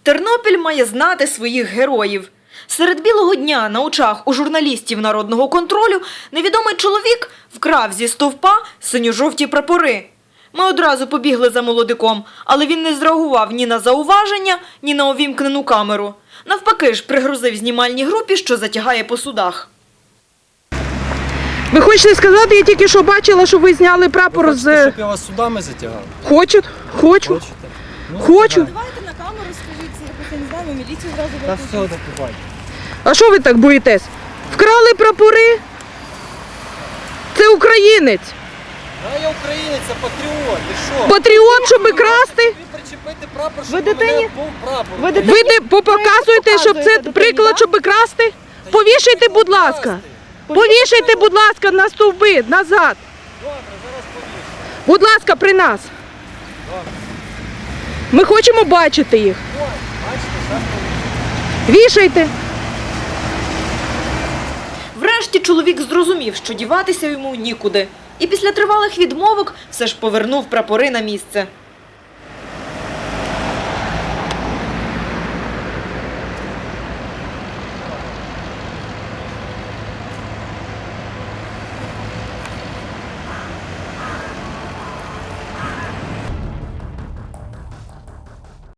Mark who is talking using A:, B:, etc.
A: Тернопіль має знати своїх героїв. Серед білого дня на очах у журналістів народного контролю невідомий чоловік вкрав зі стовпа синьо-жовті прапори. Ми одразу побігли за молодиком, але він не зреагував ні на зауваження, ні на увімкнену камеру. Навпаки ж пригрозив знімальній групі, що затягає по судах.
B: Ви хочете сказати, я тільки що бачила, що ви зняли прапор
C: Ви хочете,
B: з...
C: щоб я вас судами затягав?
B: Хочу.
C: Хочете? Ну,
B: Хочу.
D: Давайте на камеру скажіть, якось я не знаю, ми міліцію зразу
C: Та
D: викликаємо.
C: все, до побачення.
B: А що ви так боїтесь? Вкрали прапори? Це українець.
C: А я українець, а патріот, ти що?
B: Патріот, щоб красти?
C: Ви причепити прапор, щоб
D: Ви
C: у мене
D: дитині-
C: був прапор.
D: ви дитині-
B: Ви показуєте, щоб це
D: показуєте
B: приклад,
D: дитині,
B: щоб красти? Повішайте, будь ласка. Повішайте, будь ласка, на стовби, назад.
C: Добре, зараз повішу.
B: Будь ласка, при нас. Ми хочемо бачити їх.
C: Ой, бачите, зараз повішу.
B: Вішайте.
A: Врешті чоловік зрозумів, що діватися йому нікуди. І після тривалих відмовок все ж повернув прапори на місце.